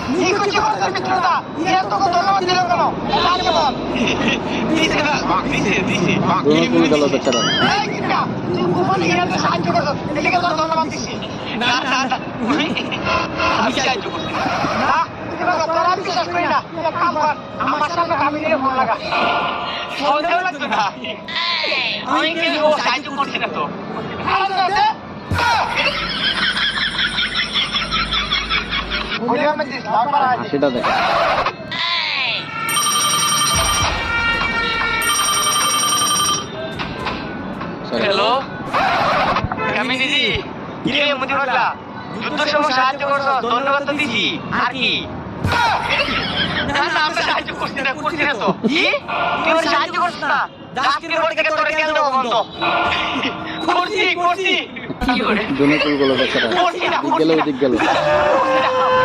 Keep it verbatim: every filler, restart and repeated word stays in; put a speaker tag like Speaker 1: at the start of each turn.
Speaker 1: নিকুচি করতে মিত্রতা এর তোকে ধন্যবাদ দিল কেন আগে বল দিছে না দিছে দিছে
Speaker 2: দুনো কুল গেল বেচারা।
Speaker 1: এই কিটা তুই গোপন হিরাতে সাহায্য করছ এটাকে তোর ধন্যবাদ দিছি না না না আমি সাহায্য করছি না তুই বাবা তোর আমি বিশ্বাস করি না এক কাম কর আমার সামনে কামিনীর ফোন লাগা সন্দেহ লাগতো না আমি কি ও সাহায্য করছি না তো আরে
Speaker 2: সেটা দেখ
Speaker 1: হ্যালো কামিনী জি কি রে মুদি বললা যুদ্ধের সময় সাহায্য করছো ধন্যবাদ তো দিছি আর কি না না আমরা সাহায্য করছি না করছি না তো কি তুই আমার সাহায্য করছিস না ডাক্তারের বাড়ি থেকে তোরে কেন দেবো বন্ধ করছি করছি কি করে
Speaker 2: দুনো কুল গেল বেচারা। দিক গেল দিক গেল।